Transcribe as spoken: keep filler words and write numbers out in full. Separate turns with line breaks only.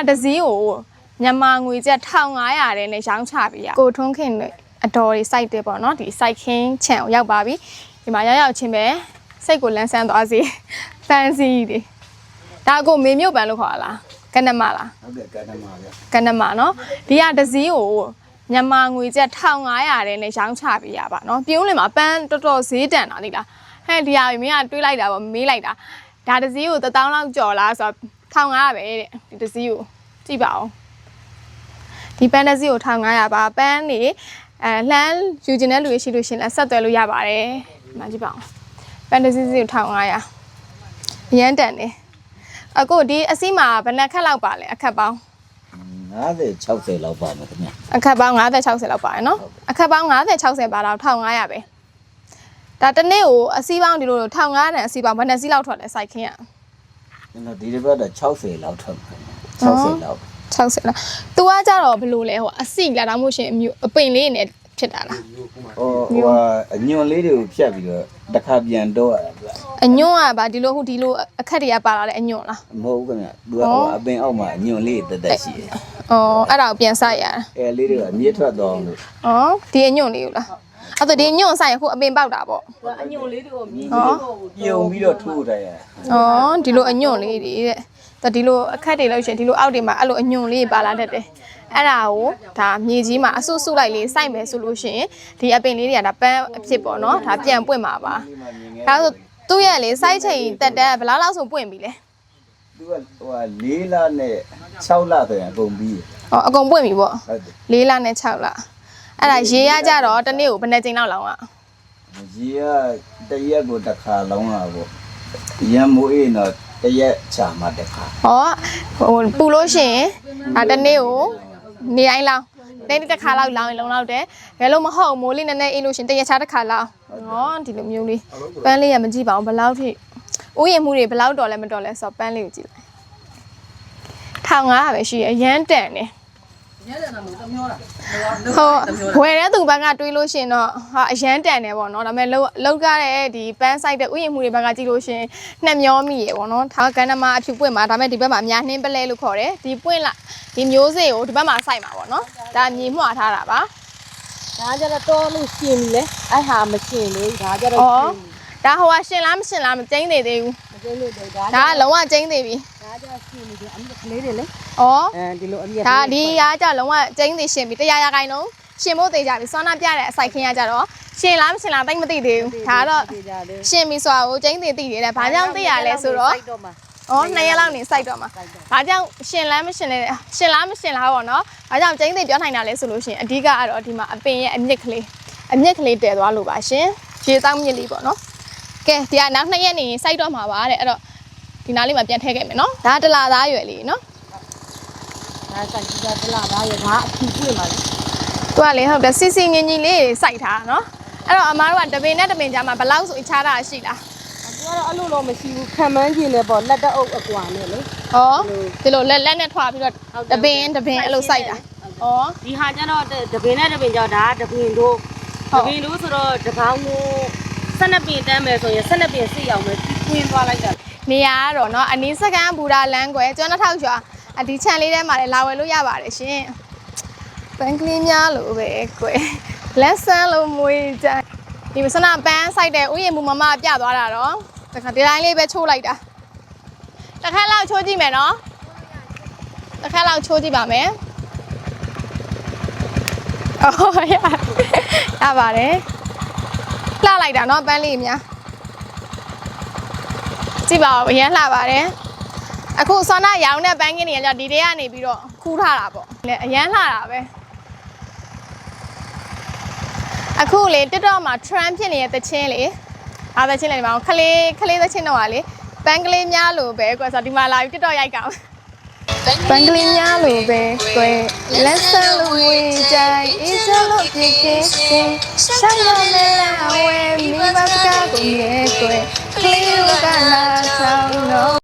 တစည်းကိုမြန်မာငွေကျပ်တစ်ထောင်ငါးရာတဲ့နဲ့ရောင်းချပေးရကိုထွန်းခင်တို့အတော်တွေစိုက်တယ်ပေါ့နော်ဒီစိုက်ခင်းခြံကိုရောက်ပါပြီဒီမှာရောက်ရောက်ချင်းပဲစိတ်ကိုလန်းဆန်းသွားစေဖန်စီတွေဒါကိုမေမြုပ်ပန်လို့ခေါ်လားကနမလား
ဟုတ်ကဲ့ကနမဗျ
ကနမနော်ဒီကတစည်းကိုမြန်မာငွေကျပ်တစ်ထောင်ငါးရာတဲ့နဲ့ရောင်းချပေးရပါနော်ပြုံးလင်မှာပန်းတော်တော်ဈေးတန်တာလေလားဟဲ့ဒီဟာမင်းကတွေးလိုက်တာပေါ့မေးလိုက်တာဒါတစည်းကိုတစ်သောင်းလောက်ကြော်လားဆိုတော့တစ်ထောင်ငါးရာပဲတဲ့ဒီတစည်းကိုကြည့်ပါဦးဒီပန်းတစည်းကိုတစ်ထောင်ငါးရာပါပန်းနေအဲလှမ်းယူကျင်တဲ့လူရှိလို့ရှင်လဲဆက်သွယ်လို့ရပါတယ်ဒီမှာကြည့်ပါဦးပန်းတစည်းစီကိုတစ်ထောင်ငါးရာအရန်တန်နေအခုဒီအစီးမှာဘယ်နှခက်လောက်ပါလဲအခက်ပေါင်း
ငါးဆယ်ခြောက်ဆယ်လောက်ပါမယ်ခင်ဗျ
အခက်ပေါင်းငါးဆယ်ခြောက်ဆယ်လောက်ပါတယ်နော်အခက်ပေါင်းငါးဆယ်ခြောက်ဆယ်ပါတော့တစ်ထောင်ငါးရာပဲဒါတနေ့ကိုအစီးပေါင်းဒီလိုတစ်ထောင်ငါးရာတန်အစီးပေါင်းဘယ်နှစီးလောက်ထွက်လဲစိုက်ခင်းရ
ကျွန်တော်ဒီတစ်ပတ်တော့ခြောက်ဆယ်လောက်ထွက်မှာခြောက်ဆယ်လောက်
ခြောက်ဆယ်လောက်။ तू ကကြတော့ဘယ်လိုလဲဟိုအစီလာတော့မို့ရှင်အမျိုးအပင်လေးနဲ့ဖြစ်တာလား
။ဟိုဟိုအညွန့်လေးတွေကိုဖြတ်ပြီးတော့တစ်ခါပြန်တော့ရတာဗျ
။အညွန့်ကဗာဒီလိုဟိုဒီလိုအခက်တွေကပါလာတဲ့အညွန့်လား
။မဟုတ်ဘူးခင်ဗျ။ तू ကဟိုအပင်အောက်မှာအညွန့်လေးတက်တက်ရှိတယ်
။အော်အဲ့ဒါကိုပြန်စိုက်ရတာ
။အဲလေးတွေကအမြင့်ထွက်သွားအောင်လို့
။အော်ဒီအညွန့်လေးကိုလား။အဲ့တော့ဒီအညွန့်စိုက်ရင်ဟိုအပင်ပေါက်တာပေါ့
။အညွန့်လေးတွေကိုမြည်
ပြီးတော့ပြုံပြီးတော့ထိုးထားရ
။အော်ဒီလိုအညွန့်လေးတွေတဲ့။ဒါဒီလိုအခက်တွေလို့ရှင်ဒီလိုအောက်တွေမှာအဲ့လိုအညွန့်လေးပါလာတတ်တယ်။အဲ့ဒါကိုဒါမြေကြီးမှာအဆုဆုလိုက်လေးစိုက်မယ်ဆိုလို့ရှိရင်ဒီအပင်လေးတွေကဒါပန်းအဖြစ်ပေါ့နော်ဒါပြန်ပွင့်မှာပါဒါဆိုသူ့ရဲ့လေစိုက်ချိန်တက်တက်ဘယ်လောက်လောက်ဆိုပွင့်ပြီလဲ
သူကဟိုလေးလနဲ့ခြောက်လဆိုရင်အကုန်ပြီး
ဟောအကုန်ပွင့်ပြီပေါ့လေးလနဲ့ခြောက်လအဲ့ဒါရေရကြတော့တစ်နေ့ကိုဘယ်နှချိန်လောက်လောင်းอ่ะ
ရေကတရက်ကိုတစ်ခါလောင်းတာပေါ့ရံမိုးအေးတော့တရက်ချာမှတစ်ခါ
ဟောဟိုပူလို့ရှိရင်ဒါတစ်နေ့ကိုနေတိုင်းလောင်းနေ့တစ်ခါလောက်လောင်းရင်လုံလောက်တယ်ဘယ်လိုမဟုတ်မိုးလေးနည်းနည်းအေးလို့ရှင်တရက်ချာတစ်ခါလောင်းဟောဒီလိုမျိုးလေးပန်းလေးရမကြည့်ပါဘူးဘယ်လောက်ထိဥယျာဉ်မှုတွေဘယ်လောက်တော်လဲမတော်လဲဆိုတော့ပန်းလေးကိုကြည့်လိုက်ထောင်ငါးပဲရှိရအရန်တန်နေ
ရတဲ့နာမတမျောတာ
ဟိုဝယ်တဲ့သူဘက်ကတွေးလို့ရှင်တော့ဟာအရန်တန်နေပေါ့နော်ဒါပေမဲ့လောက်လောက်ကြတဲ့ဒီပန်းဆိုင်တဲ့ဥယျာဉ်မှုတွေဘက်ကကြည့်လို့ရှင်နှက်မျောမိရေပေါ့နော်ဒါကကန္နမအဖြူပွင့်မှာဒါပေမဲ့ဒီဘက်မှာအများနှင်းပလဲလို့ခေါ်တယ်ဒီပွင့်လာဒီမျိုးစေ့ကိုဒီဘက်မှာစိုက်မှာပေါ့နော်ဒါမြေမှွာထားတာပါ
ဒါကြတော့တော်လို့ရှင်ပြီလေအဲ့ဟာမရှင်လေဒါကြတော့
ဒါဟိုကရှင်လားမရှင်လားမကျင်းသေးသေးဘူး
မကျင်းသေးဘူးဒါ
ဒါကလုံးဝကျင်းသေးပြီ
ဒါကြရှင်နေတယ်အမြကလေးတွေလေ
ဩ
အဲဒီလိုအမြ
ဒါဒီကကြလုံးဝကျင်းသေးရှင်ပြီတရားရခိုင်လုံးရှင်ဖို့သေးကြပြီစောနာပြတဲ့အစိုက်ခင်းရကြတော့ရှင်လားမရှင်လားတိတ်မသိသေးဘူးဒါတော့ရှင်ပြီဆိုတာကိုကျင်းသေးသိတယ်တဲ့ဘာကြောင့်သိရလဲဆိုတော့อ๋อနှစ်ရက်လောက်နေစိုက်တော့မှာ။ဘာကြောင့်ရှင်လမ်းမရှင်လဲရှင်လားမရှင်လားပေါ့နော်။ဘာကြောင့်ကျင်းသိပြောနိုင်တာလဲဆိုလို့ရှိရင်အဓိကကတော့ဒီမှာအပင်ရဲ့အမြင့်ကလေးအမြင့်ကလေးတည်သွားလို့ပါရှင်။ရေတောက်မြင့်လေးပေါ့နော်။ကဲဒီကနောက်နှစ်ရက်နေစိုက်တော့မှာပါတဲ့အဲ့တော့ဒီနားလေးမှာပြန်ထည့်ခဲ့မယ်နော်။ဒါတလာသားရွယ်လေးနော်
။ဒါစိုက်ကြည့်တာတလာသားရွယ်ဒါအဖြူပွင့်ပါလေ
။သူကလေဟုတ်တယ်စီစီငင်းကြီးလေးစိုက်ထားနော်။အဲ့တော့အမားတို့ကတပင်နဲ့တပင်ကြားမှာဘလောက်ဆိုချားတာရှိလား
။သူကတော့အဲ့လိုတော့မရှိဘူးခံမှန်းကျင်နေပေါ့လက်တအုပ်အကွာနဲ့လေ
ဩဒီလိုလက်လက်နဲ့ထွာပြီးတော့တပင်တပင်အဲ့လိုစိုက်တာဩ
ဒီဟာကျတော့တပင်နဲ့တပင်ကြောင့်ဒါတပင်တို့တပင်တို့ဆိုတော့တပေါင်းကိုဆက်နှစ်ပင်တန်းမယ်ဆိုရင်ဆက်နှစ်ပင်စိတ်အောင်မယ်တွင်းသွားလိုက်တာ
နေရာကတော့เนาะအနည်းစကန်ဘူရာလမ်းကွယ်ကျွန်းတစ်ထောက်ရွာအဒီချန်လေးထဲမှာလည်းလာဝယ်လို့ရပါတယ်ရှင်ပန်းကလေးများလို့ပဲကွယ်လက်ဆန်းလို့မွေးကြဒီမစနာပန်းစိုက်တဲ့ဥယျာဉ်မူမမပြသွားတာတော့တခါဒီတိုင်းလေးပဲချိုးလိုက်တာတစ်ခါလောက်ချိုးကြည့်မယ်နော်တစ်ခါလောက်ချိုးကြည့်ပါမယ်အော်ရရပါတယ်လှလိုက်တာနော်ပန်းလေးများကြည့်ပါဦးအရင်လှပါတယ်အခုဆောနာရောင်တဲ့ပန်းကင်းတွေကကြောင့်ဒီတဲကနေပြီးတော့ခူးထားတာပေါ့လေအရင်လှတာပဲအခုလေ TikTok မှာ trend ဖြစ်နေတဲ့သချင်းလေအားသချင်းလေဒီမှာခလေးခလေးသချင်းတော့ဟာလေပန်းကလေးများလို့ပဲကွယ်ဆိုဒီမှာလာပြီး TikTok ရိုက်ကောင်ပန်းကလေးများလို့ပဲကွယ်လက်ဆန်းလို့ဝေးကြိုင်အေးစလို့ပြည့်ကင်းရှာမမဲလာဝဲမိဘစကားကိုမြဲကွယ်ကလေးကလာဆောင်